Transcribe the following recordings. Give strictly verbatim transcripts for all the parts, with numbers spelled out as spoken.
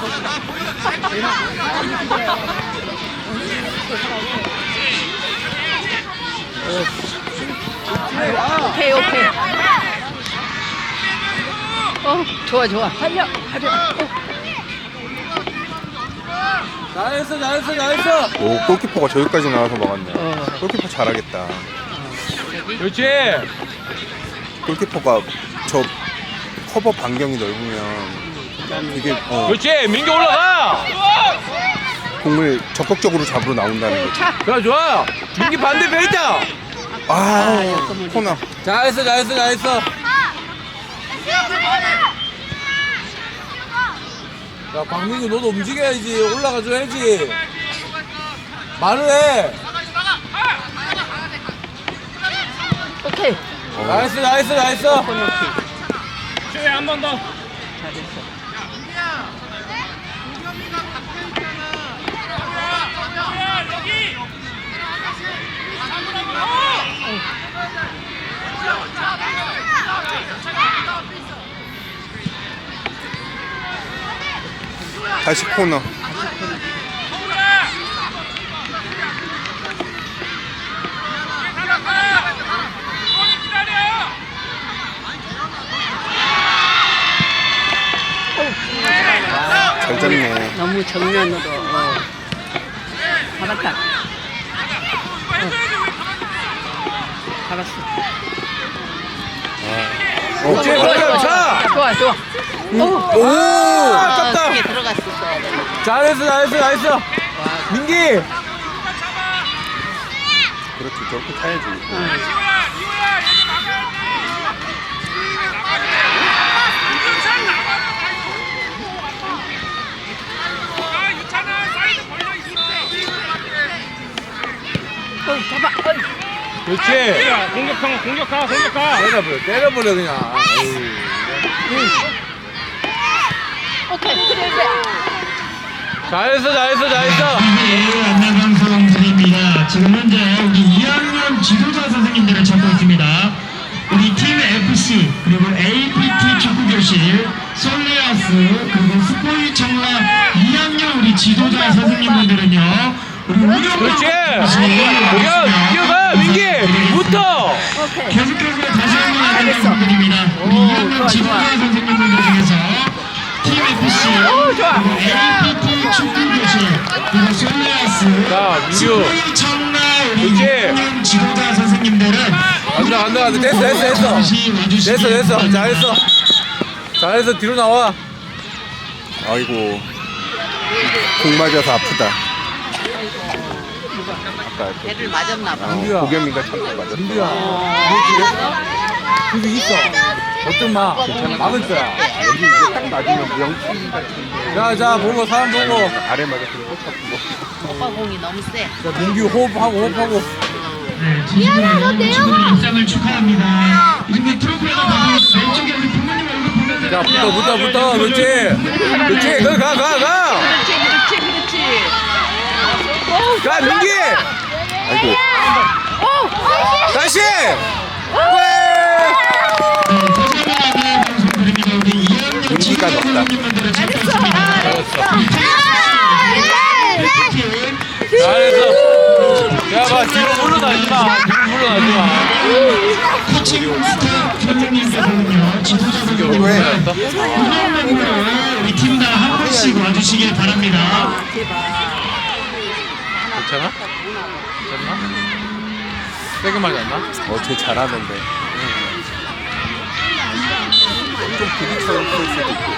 오케이 오케이. 어 좋아 좋아. 달려 달려. 잘했어 잘했어 잘했어. 오, 골키퍼가 저기까지 나와서 막았네. 어. 골키퍼 잘하겠다. 그렇지. 골키퍼가 저 커버 반경이 넓으면 되게 어, 그렇지. 민규 올라가. 공을 적극적으로 잡으러 나온다는 거지. 차. 좋아 좋아. 민규 반대편 있다. 아, 코너. 잘했어 잘했어 잘했어. 야 박민규 너도 움직여야지. 올라가줘야지. 말을 해. 오케이. 어, 나이스 나이스 나이스. 코너킥. 한 번 더. 잘했어. 다시 코너. 잘 잡네. 너무 정면으로. 어. 잡았다. 어. 잡았어. 어, 오케이 그렇게 차. 좋아 좋아. 오, 아깝다. 크게 들어갔었어야 돼. 잘했어 잘했어 잘했어. 민기. 그렇지, 저렇게 타야지. 어 잡아. 어이. 그렇지. 공격하 공격하 공격하 때려버려 때려버려 그냥. 오케이. 그래 그래. 잘했어 잘했어 잘했어. 네, 안내방송드립니다. 지금 현재 우리 이 학년 지도자 선생님들을 찾고 있습니다. 우리 팀 에프씨 그리고 에이피티 축구교실 솔리아스 그리고 스포이 청라 이 학년 우리 지도자 선생님분들은요 우리 운영 그렇지. 공연 뛰어가 민기. 붙어. 오케이. 계속해서 다시 한번 잘했어. 안내드립니다. 우리 오, 이 학년 좋아, 지도자 좋아. 선생님분들 중에서 팀 에프씨 오, 좋아. 그리고 에이피티 축구교실 그리고 솔리아스 자, 민규. 스포이 청라 우리 그렇지. 이 학년 지도자 선생님들은 간다 간다 간다. 됐어 됐어 됐어. 됐어 됐어. 잘했어. 잘했어 뒤로 나와. 아이고, 공 맞아서 아프다. 아까 배를 맞았나 봐. 민규야. 고겸이가 참고 맞았어. 민규야. 여기 있어. 걱정 마. 막을 거야. 여기 이제 딱 맞으면 명치 같은 자자 보고 사람 보고. 아래 맞았으면 꼭 잡고. 오빠 공이 너무 세. 자 민규 호흡하고 호흡하고. 네, 진심으로 친구들 입상을 축하합니다. 이중에 트로피가 바로 왼쪽에 우리 부모님 얼굴 보면서 자 붙어 붙어 붙어. 그렇지. 그렇지. 거기 가 가 가. 그렇지 그렇지 그렇지. 오, 가 민기. 아이고, 다시. 민기가 넣었다. 잘했어. 야, 봐, 뒤로 물러나지 마. 뒤로 물러나지 마. 코칭 스텝 선생님께서는요 지도자 선생님들 운영면으로 우리 팀 다 한 번씩 와주시길 바랍니다. 괜찮아? 괜찮나? 세게 맞았나? 어, 쟤 잘하는데. 좀 부딪혔을 수도 있고.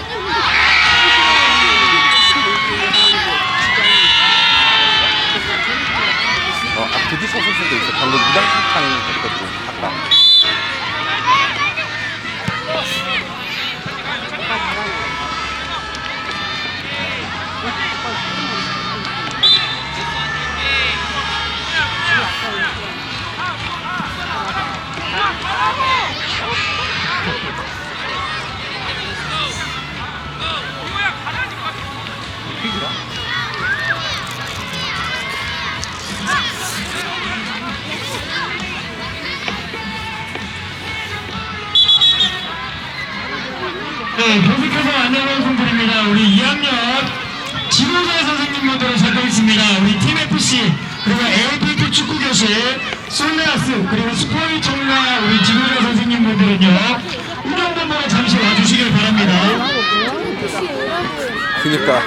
어, 아, 부딪혔을 수도 있어. 방금 무당탕 했거든, 아까. 네, 계속해서 안내 방송드립니다. 우리 이 학년 지도자 선생님분들을 찾고 있습니다. 우리 팀 에프씨 그리고 에이피티 축구교실 솔레아스 그리고 스포일 총괄 우리 지도자 선생님분들은요 운영본부로 잠시 와주시길 바랍니다. 그니까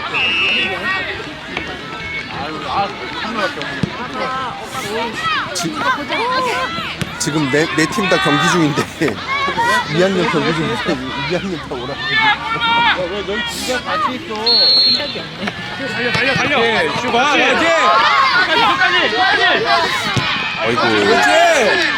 지, 지금 내 내 팀 다 경기 중인데 이 학년 경기 중인데 이 학년 다 오라. 왜 너희 둘다 같이 있어? 달려 달려 달려. 슈가 그렇지. 끝까지 끝까지. 아이고. 그렇지.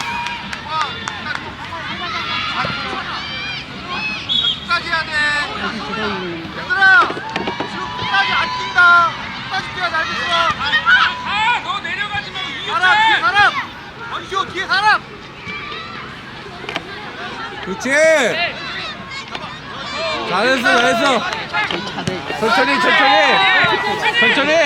끝까지 해야 돼. 얘들아, 지금 끝까지 안 뛴다. 끝까지 뛰어야 돼, 알겠어? 아, 너 내려가지 말고 이기지. 사람, 뒤에 사람. 원시호 뒤에 사람. 그렇지. 잘했어 잘했어. 천천히 천천히 천천히.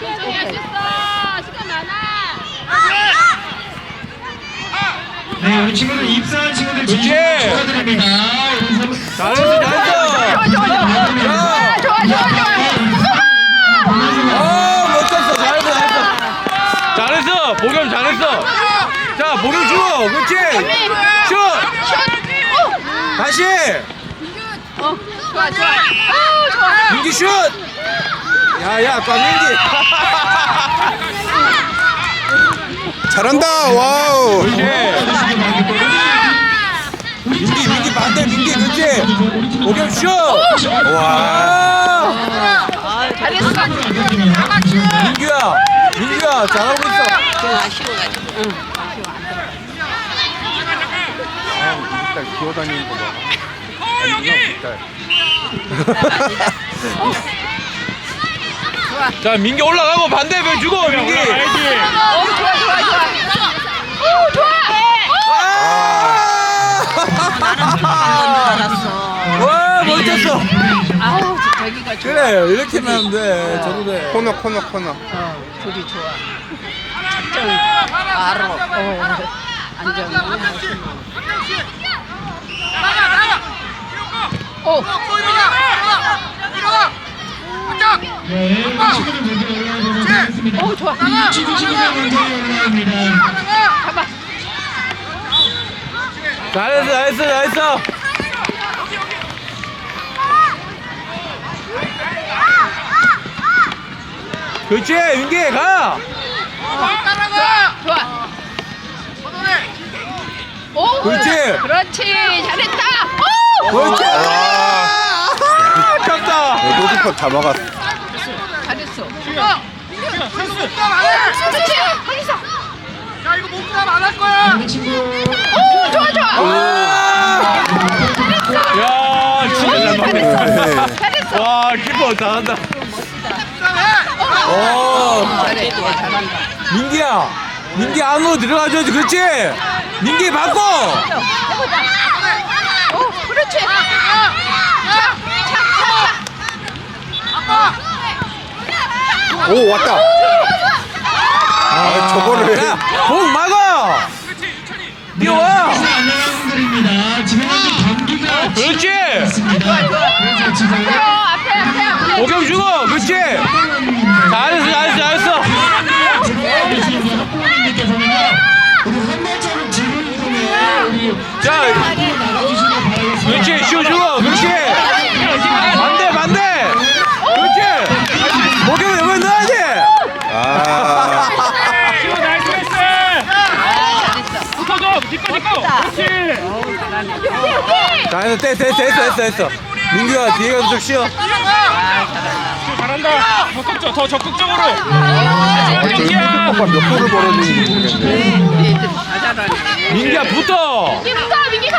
네, 우리 친구들 입사한 친구들 그렇지. 진심으로 축하드립니다. 우리 선- 잘했어 잘했어. 자. 아 멋졌어 잘했어 잘했어. 잘했어 목욕 잘했어. 자 목욕 주고 그렇지. 슛. 다시. 어, 좋아, 좋아. 어, 좋아. 민기 슛. 야야 꽝민기. 잘한다. 와우. 그렇지. 민기 민기 반대 민기 그렇지. 목욕 슛. 와. 아, 잘했어. 민규야 민규야 잘하고 있어. 좀 아쉬워가지고. 응, 아쉬워. 안 들어. 아, 우리 딸 기어다니는 거 봐. 어 여기. 좋아. 자 민기 올라가고 반대편 주고 민기. 어, 좋아, 좋아, 좋아. 오, 좋아. 아! 알았어. 와 멋졌어. 아우, 저기가 좋아. 그래 이렇게만 하면 돼. 저도 돼. 코너 코너 코너. 어, 둘이 좋아. 작전 바로. 어, 안정. 나가, 나가. 오, 또 일어나. 일어나. 일어나. 네, 우리 친구들 먼저 올라오도록 하겠습니다. 오, 좋아. 친구 친구들 먼저 올라옵니다. 잡아. 잘했어 잘했어 잘했어. 그렇지 민기 가. 따라가. 좋아. 걷어내. 오, 그렇지. 그렇지. 잘했다. 오, 그렇지. 와. 아깝다. 노드컵 다 막았어. 잘했어. 몸싸움 안 해. 그렇지. 거기서. 야, 이거 몸싸움 안 할 거야. 우리 친구 오, 좋아, 좋아. 와. 야 진짜 잘 맞네. 잘했어. 와 키퍼 잘한다. 몸싸움 해. 오. 잘해. 잘한다. 민기야 민기 안으로 들어가줘야지. 그렇지. 민기 바꿔. 해보자. 오, 그렇지. 아빠. 오 왔다. 아 저거를. 야, 공 막아. 뛰어와. 다시 안녕드립니다. 지금 현재 경기가 그렇지. 있습니다. 그래서 지금 어, 앞에, 앞에, 앞에. 목욕 주고. 그렇지. 잘했어 잘했어 잘했어. 들어와 계신 우리 학부모님들께서는요, 우리 한 발자국 뒤로 이동해 우리 자 나가주시길 바라겠습니다. 그렇지 슛 주고. 그렇지. 반대 반대. 그렇지. 목욕 여기 넣어야 돼. 아. 잘했어 됐어 됐어 됐어 됐어. 민규야 뒤에 가서 좀 쉬어. 잘한다. 더 적극적, 더 적극적으로. 노드컵과 몇 골을 벌어지는지 모르겠네. 우리 애들 다 잘하네. 민규야 붙어. 민기부터, 민기가.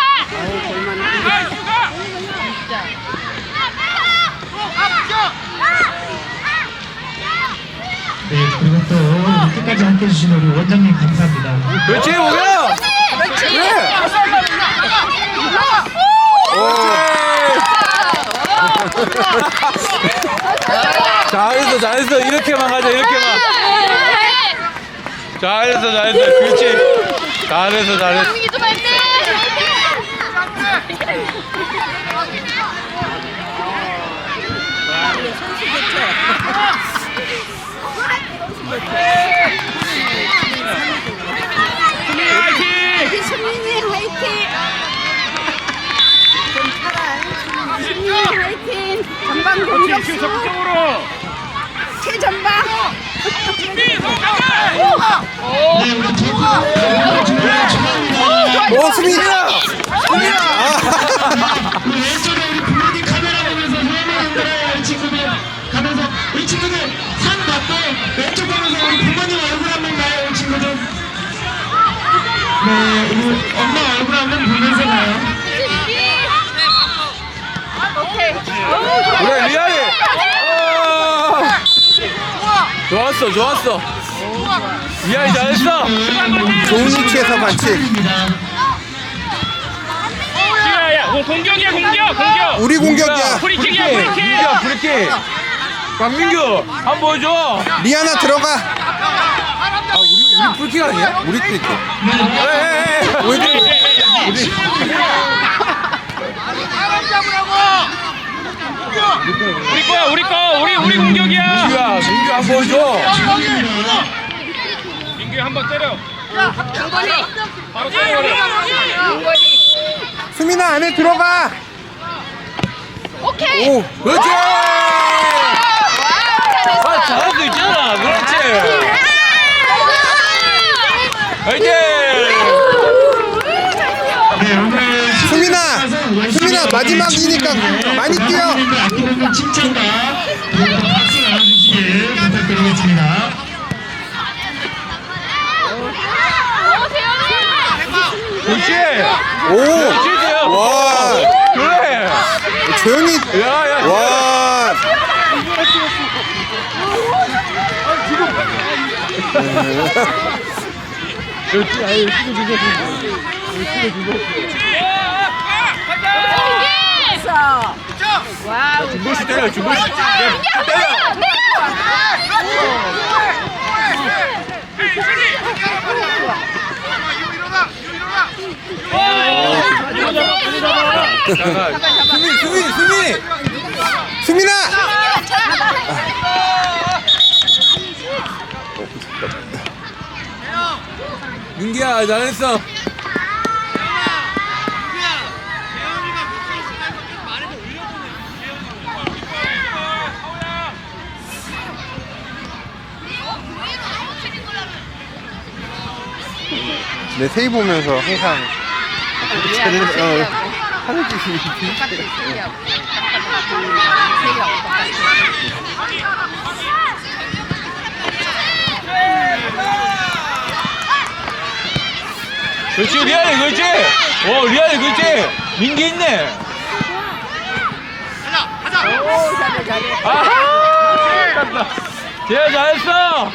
네, 그리고 또 우리 끝까지 함께 해주신 우리 원장님 감사합니다. 그렇지 목욕. 그렇지. 그래. 잘했어 잘했어. 이렇게만 가자 이렇게만. 잘했어 잘했어. 그렇지. 잘했어 잘했어. 민기 좀 할 때. 적극적으로 적극적으로. 최전방. 준비 성공해. 네, 우리 두 중앙 어 수민이야. 수민아. 우리 왼쪽에 우리 부모님 카메라 보면서 소원을 흔들어요. 이 친구들 가면서 이 친구들 상 받고 왼쪽 보면서 우리 부모님 얼굴 한번 봐요. 이 친구들. 네, 우리 엄마 얼굴 한번 보면서 가요. 그래 리아이. 아, 좋았어 좋았어. 리아이 잘했어. 좋은 위치에서 반칙. 지아야, 뭐 공격이야 공격 공격. 우리 공격이야. 프리킥이야 프리킥. 민규야 프리킥. 박민규 한번 보여줘. 리아나 들어가. 아 우리 우리 프리킥 아니야? 우리 프리킥. 에에에. 우리 우리 사람 잡으라고. 우리 거야 우리 거 우리 우리 공격이야. 민규야 민규 한번 보여줘. 민규 한번 때려. 중거리. 바로 때려버려. 중거리. 수민아 안에 들어가. 오케이. 오 그렇지. 잘했어. 아 잘할 수 있잖아. 그렇지. 화이팅. 네, 오늘 수민아, 수민아 마지막이니까 많이 뛰어. 아끼는 칭찬과 그리고 박수 나눠주시길 부탁드리겠습니다. 그렇지. 오, 와, 그래. 조현이, 야야. 와, 그렇지. 아유 시도 주고. 됐어. 와우. 중고시 때려 중고시. 때려. 수민 수민 수민. 수민아. 민기야 잘했어. 내 세이 보면서 항상 쟤는 어, 하는 짓이 똑같이 세이하고. 그렇지 리아이 그렇지. 오 리아이 그렇지. 민기 있네. 오, 잘해, 잘해. 아하. 깜다. 제야 잘했어.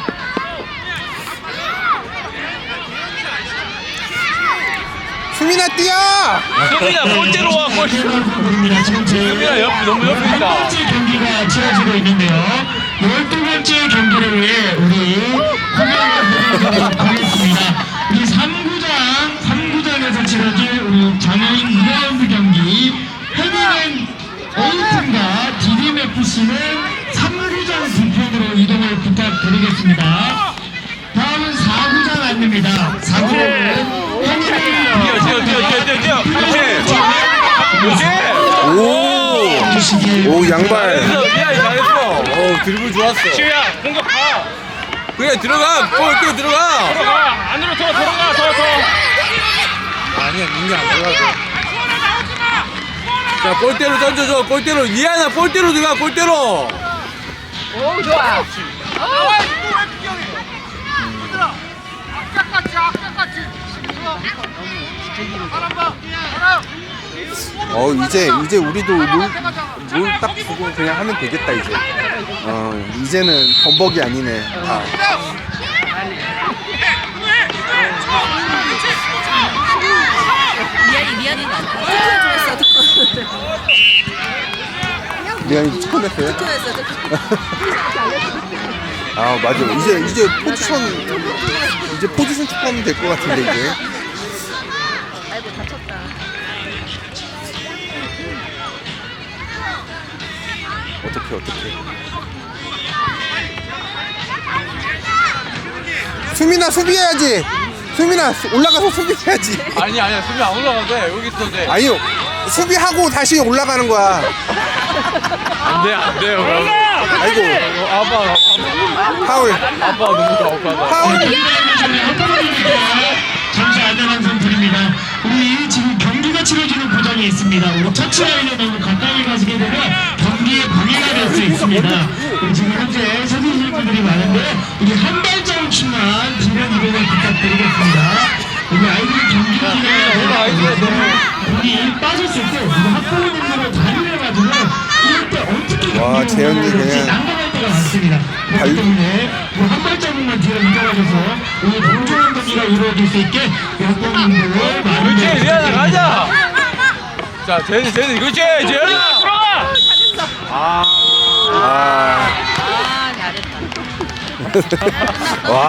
수민아 뛰어. 수민아 골대로 와 골. 부릅니다. 지금 제 수민아 옆 너무 옆에 첫 있다. 번째 경기가 치러지고 있는데요. 열두 번째 경기를 위해 우리 공연을 하겠습니다. 우리 삼 구장, 삼 구장에서 치러질 우리 장애인 이 라운드 경기 해리는 A팀과 디딤에프씨는 삼 구장 두 편으로 이동을 부탁드리겠습니다. 다음은 사 구장 안내입니다. 사 구장은 뛰어 뛰어 뛰어 뛰어 뛰어 뛰어. 그렇지. 그렇지. 오, 주시길 오 양발. 잘했어 리아이 잘했어. 오 드리블 좋았어. 지우야 공격 가. 그래 들어가. 골 뛰어 들어가. 들어가 안으로 더 들어가 더 더. 아니야 민기 안 들어가고. 자 골대로 던져줘. 골대로 리아나 골대로 들어가 골대로. 오, 좋아. 나와 있고 왜 비경해? 얘들아, 악착같이 악착같이. 사람 봐, 사람. 어 이제 이제 우리도 롤딱 주고 그냥 하면 되겠다 이제. 어 이제는 범벅이 아니네. 아. 미안이, 미안이 나. 특훈했어, 특훈. 미안이 축구했어요? 특훈했어, 특훈. 아 맞아. 이제 이제 포지션 이제 포지션 축구하면 될 것 같은데 이제. 아이고, 다쳤다. 어떻게 어떻게. 수민아 수비해야지. 수민아 수- 올라가서 수비해야지. 아니 아니야 수비 안 올라가도 돼. 여기 있어도 돼. 아니요 수비하고 다시 올라가는 거야. 안돼 안돼요. 아이고 아빠 파울 아빠 너무 아빠가. 파울. 잠시 안내방송 드립니다. 우리 지금 경기가 치러지는 구장이 있습니다. 우리 터치라인에 너무 가까이 가시게 되면 경기에 방해가 될 수 있습니다. 우리 지금 현재 서두르시는 분들이 많은데 우리 한 발자국씩만 뒤로 이동을 부탁드리겠습니다. 우리 아이들이 경기를 진행하는데 우리 빠졌을 때 우리 학부모님들은 다리를 가지고 이럴 때 어떻게 와, 경기를 재현이 운영해야 될지 그냥 난감할 때가 많습니다. 발- 그렇기 때문에 우리 한 발자국만 뒤로 이동하셔서 우리 공정한 경기가 이루어질 수 있게 학부모님들 많은 그렇지 재현아 가자. 자 재현이 재현이 그렇지 재현아. 들어가. 아 아, 잘했다. 와